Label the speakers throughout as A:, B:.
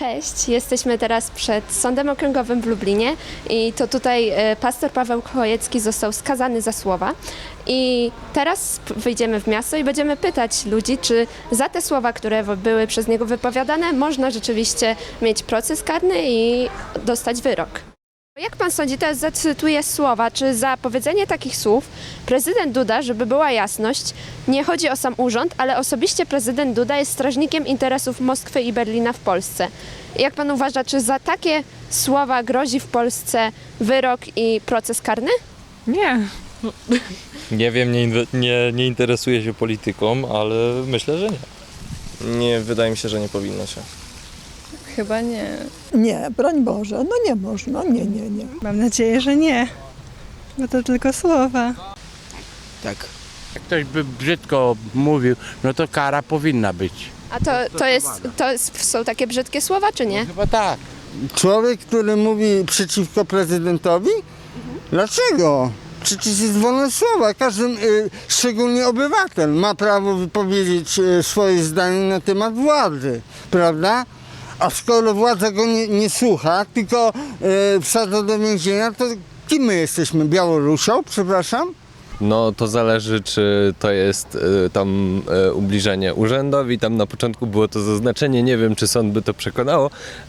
A: Cześć, jesteśmy teraz przed Sądem Okręgowym w Lublinie i to tutaj pastor Paweł Chojecki został skazany za słowa. I teraz wyjdziemy w miasto i będziemy pytać ludzi, czy za te słowa, które były przez niego wypowiadane, można rzeczywiście mieć proces karny i dostać wyrok. Jak pan sądzi, teraz zacytuję słowa, czy za powiedzenie takich słów prezydent Duda, żeby była jasność, nie chodzi o sam urząd, ale osobiście prezydent Duda jest strażnikiem interesów Moskwy i Berlina w Polsce. Jak pan uważa, czy za takie słowa grozi w Polsce wyrok i proces karny?
B: Nie.
C: Nie wiem, nie interesuję się polityką, ale myślę, że nie.
D: Nie, wydaje mi się, że nie powinno się.
B: Chyba nie.
E: Nie, broń Boże, no nie można, nie.
B: Mam nadzieję, że nie. Bo to tylko słowa.
F: Tak. Jak ktoś by brzydko mówił, no to kara powinna być.
A: A są takie brzydkie słowa, czy nie?
F: Chyba tak.
G: Człowiek, który mówi przeciwko prezydentowi? Dlaczego? Przecież jest wolność słowa. Każdy, szczególnie obywatel, ma prawo wypowiedzieć swoje zdanie na temat władzy, prawda? A skoro władza go nie słucha, tylko wsadza do więzienia, to kim my jesteśmy? Białorusią, przepraszam?
C: No to zależy, czy to jest ubliżenie urzędowi. Tam na początku było to zaznaczenie, nie wiem, czy sąd by to przekonało,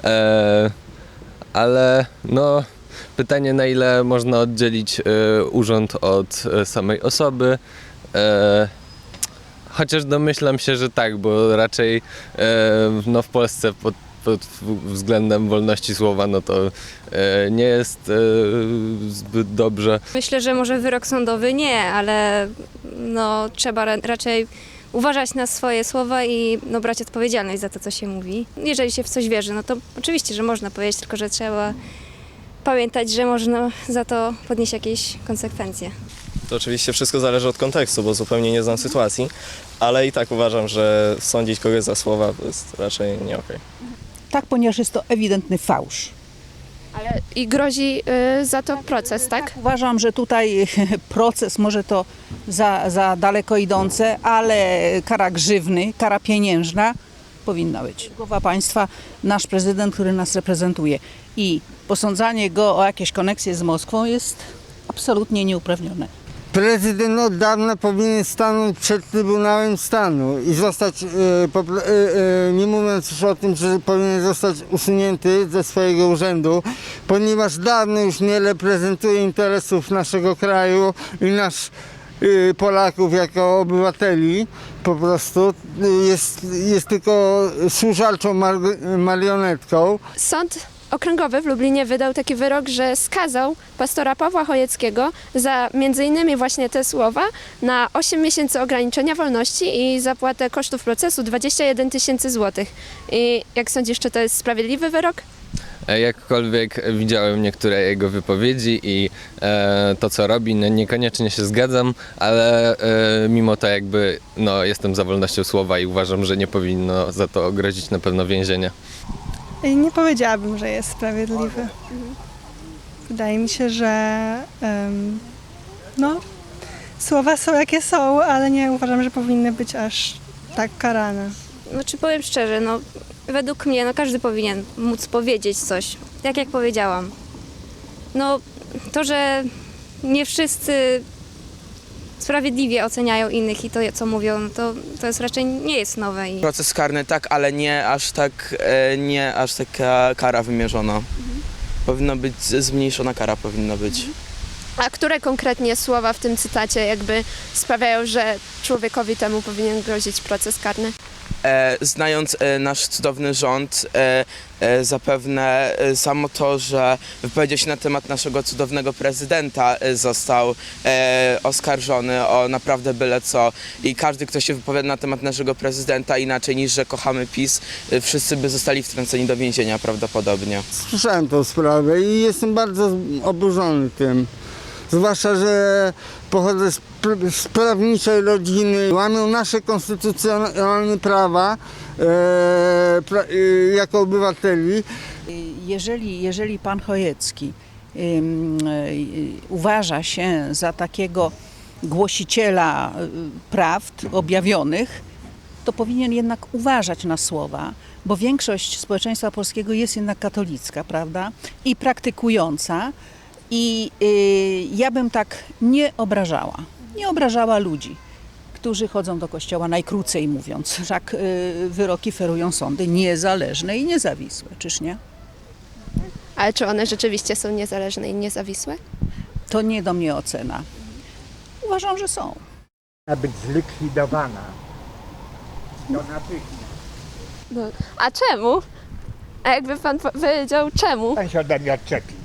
C: ale no pytanie, na ile można oddzielić urząd od samej osoby. Chociaż domyślam się, że tak, bo raczej no w Polsce pod względem wolności słowa, no to nie jest zbyt dobrze.
H: Myślę, że może wyrok sądowy nie, ale no, trzeba raczej uważać na swoje słowa i no, brać odpowiedzialność za to, co się mówi. Jeżeli się w coś wierzy, no to oczywiście, że można powiedzieć, tylko że trzeba pamiętać, że można za to podnieść jakieś konsekwencje.
D: To oczywiście wszystko zależy od kontekstu, bo zupełnie nie znam sytuacji, ale i tak uważam, że sądzić kogoś za słowa to jest raczej nie okej.
E: Tak, ponieważ jest to ewidentny fałsz.
A: Ale i grozi za to proces, tak?
E: Uważam, że tutaj proces może to za daleko idące, ale kara grzywny, kara pieniężna powinna być. Głowa państwa, nasz prezydent, który nas reprezentuje, i posądzanie go o jakieś koneksje z Moskwą jest absolutnie nieuprawnione.
G: Prezydent od dawna powinien stanąć przed Trybunałem Stanu i zostać, nie mówiąc już o tym, że powinien zostać usunięty ze swojego urzędu, ponieważ dawno już nie reprezentuje interesów naszego kraju i Polaków jako obywateli. Po prostu jest tylko służalczą marionetką.
A: Sąd Okręgowy w Lublinie wydał taki wyrok, że skazał pastora Pawła Chojeckiego za m.in. właśnie te słowa na 8 miesięcy ograniczenia wolności i zapłatę kosztów procesu 21 000 złotych. I jak sądzisz, czy to jest sprawiedliwy wyrok?
C: Jakkolwiek widziałem niektóre jego wypowiedzi i to, co robi, no niekoniecznie się zgadzam, ale mimo to jakby no, jestem za wolnością słowa i uważam, że nie powinno za to grozić na pewno więzienie.
B: Nie powiedziałabym, że jest sprawiedliwy. Wydaje mi się, że no, słowa są jakie są, ale nie uważam, że powinny być aż tak karane.
H: Znaczy powiem szczerze, no według mnie no, każdy powinien móc powiedzieć coś, tak jak powiedziałam. No to, że nie wszyscy sprawiedliwie oceniają innych i to, co mówią, no to jest raczej nie jest nowe.
F: Proces karny tak, ale nie aż taka kara wymierzona. Powinna być zmniejszona kara, powinna być.
A: A które konkretnie słowa w tym cytacie jakby sprawiają, że człowiekowi temu powinien grozić proces karny?
F: Znając nasz cudowny rząd, zapewne samo to, że wypowiedział się na temat naszego cudownego prezydenta, został oskarżony o naprawdę byle co. I każdy, kto się wypowiada na temat naszego prezydenta inaczej niż, że kochamy PiS, wszyscy by zostali wtrąceni do więzienia prawdopodobnie.
G: Słyszałem tą sprawę i jestem bardzo oburzony tym. Zwłaszcza, że pochodzę z prawniczej rodziny, łamią nasze konstytucjonalne prawa jako obywateli.
E: Jeżeli pan Chojecki uważa się za takiego głosiciela prawd objawionych, to powinien jednak uważać na słowa, bo większość społeczeństwa polskiego jest jednak katolicka, prawda? I praktykująca. I ja bym tak nie obrażała ludzi, którzy chodzą do kościoła, najkrócej mówiąc. Wszak wyroki ferują sądy niezależne i niezawisłe, czyż nie?
A: Ale czy one rzeczywiście są niezależne i niezawisłe?
E: To nie do mnie ocena. Uważam, że są.
I: Być zlikwidowana. To natychmiast.
A: No. A czemu? A jakby pan powiedział czemu?
I: Pan się ode mnie odczepi.